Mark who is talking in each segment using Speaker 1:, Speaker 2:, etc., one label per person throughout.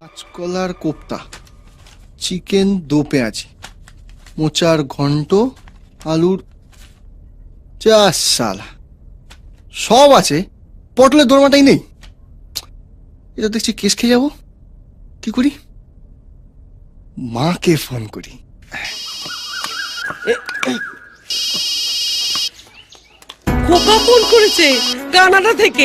Speaker 1: কাঁচকলার কোপ্তা, চিকেন দো পেঁয়াজি, মোচার ঘন্ট, আলুর চা, সালা সব আছে, পটলের দোরমাটাই নেই। এটা দেখছি কেস খেয়ে যাবো। কি করি? মাকে ফোন করি।
Speaker 2: খোকা ফোন করেছে কানাডা থেকে।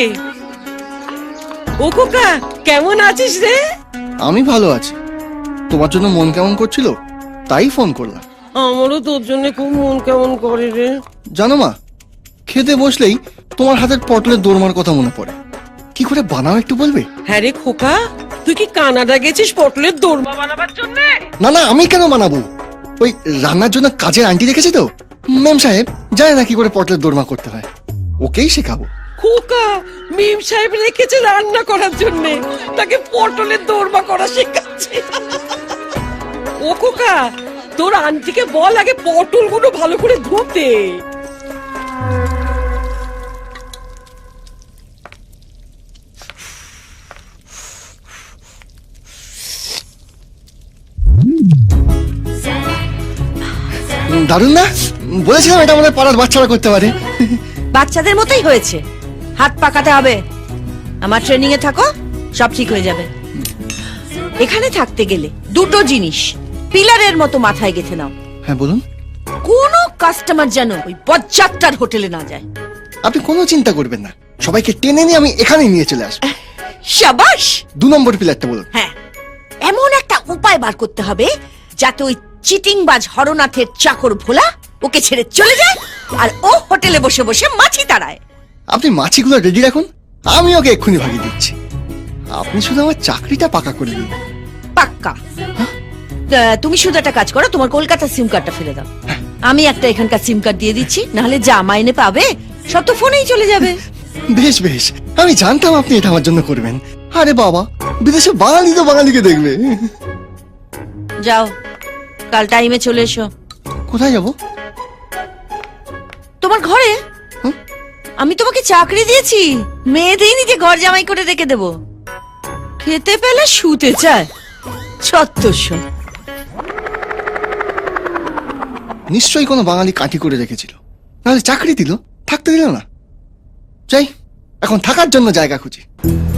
Speaker 2: ও খোকা, কেমন আছিস রে?
Speaker 1: আমি ভালো আছি। তোমার জন্য মন কেমন করছিল, তাই ফোন করলাম।
Speaker 2: আমারও তোর জন্য খুব মন কেমন করে রে।
Speaker 1: জানো মা, খেতে বসলেই তোমার হাতের পটলের দোরমার কথা মনে পড়ে। কি করে বানাও একটু বলবে?
Speaker 2: হ্যাঁ রে খোকা, তুই কি কানাডা গেছিস পটলের দোরমা বানাবার জন্য?
Speaker 1: না না, আমি কেন বানাবো? ওই রান্নার জন্য কাজের আন্টি রেখেছি তো, ম্যাম সাহেব জানে না কি করে পটলের দোরমা করতে হয়, ওকেই শেখাবো।
Speaker 2: খোকা, মিম সাহেব রেখেছে রান্না করার জন্য, তাকে পটলের দোরমা করা শেখাচ্ছে। ও খোকা, তোর আন্টিকে বল আগে পটলগুলো ভালো করে ধুতে।
Speaker 1: দারুণ না? বলেছিলাম এটা আমাদের পাড়ার বাচ্চারা করতে পারে।
Speaker 3: বাচ্চাদের মতোই হয়েছে, হাত পাকাতে হবে। আমার ট্রেনিং এ থাকো, সব ঠিক হয়ে যাবে। এখানে থাকতে গেলে দুটো জিনিস পিলারের মতো মাথায় গেঁথে নাও।
Speaker 1: হ্যাঁ বলুন।
Speaker 3: কোনো কাস্টমার যেন ওই বজ্জাতটার হোটেলে না যায়।
Speaker 1: আপনি কোনো চিন্তা করবেন না, সবাইকে টেনে নিয়ে আমি এখানেই নিয়ে চলে আসবো।
Speaker 3: শাবাশ।
Speaker 1: 2 নম্বর পিলারটা বলুন।
Speaker 3: হ্যাঁ, এমন একটা উপায় বার করতে হবে যাতে ওই চিটিংবাজ হরনাথের চাকর ভোলা ওকে ছেড়ে চলে যায় আর ও হোটেলে বসে বসে মাছি তাড়ায়।
Speaker 1: আপনি মাছিগুলো রেডি রাখুন, আমি ওকে এক্ষুনি ভাগিয়ে দিচ্ছি। আপনি শুধু আমার চাকরিটা পাকা করে দিন।
Speaker 3: পাক্কা। তুমি শুধু একটা কাজ করো, তোমার কলকাতার সিম কার্ডটা ফেলে দাও। আমি একটা এখানকার সিম কার্ড দিয়ে দিচ্ছি, নাহলে যা মাইনে পাবে সব তো ফোনেই চলে যাবে।
Speaker 1: বেশ বেশ, আমি জানতাম আপনি এটা আমার জন্য করবেন। আরে বাবা, বিদেশে বাঙালি তো বাঙালিকে দেখবে।
Speaker 3: যাও, কাল টাইমে চলে এসো।
Speaker 1: কোথায় যাব?
Speaker 3: তোমার ঘরে। আমি তোমাকে চাকরি দিয়েছি, মেয়ে দিইনি যে ঘর জামাই করে রেখে দেবো। খেতে পেলে শুতে চায়, ছত্তরশো।
Speaker 1: নিশ্চয়ই কোনো বাঙালি কাঠি করে রেখেছিল, নাহলে চাকরি দিল, থাকতে দিল না। যাই, এখন থাকার জন্য জায়গা খুঁজি।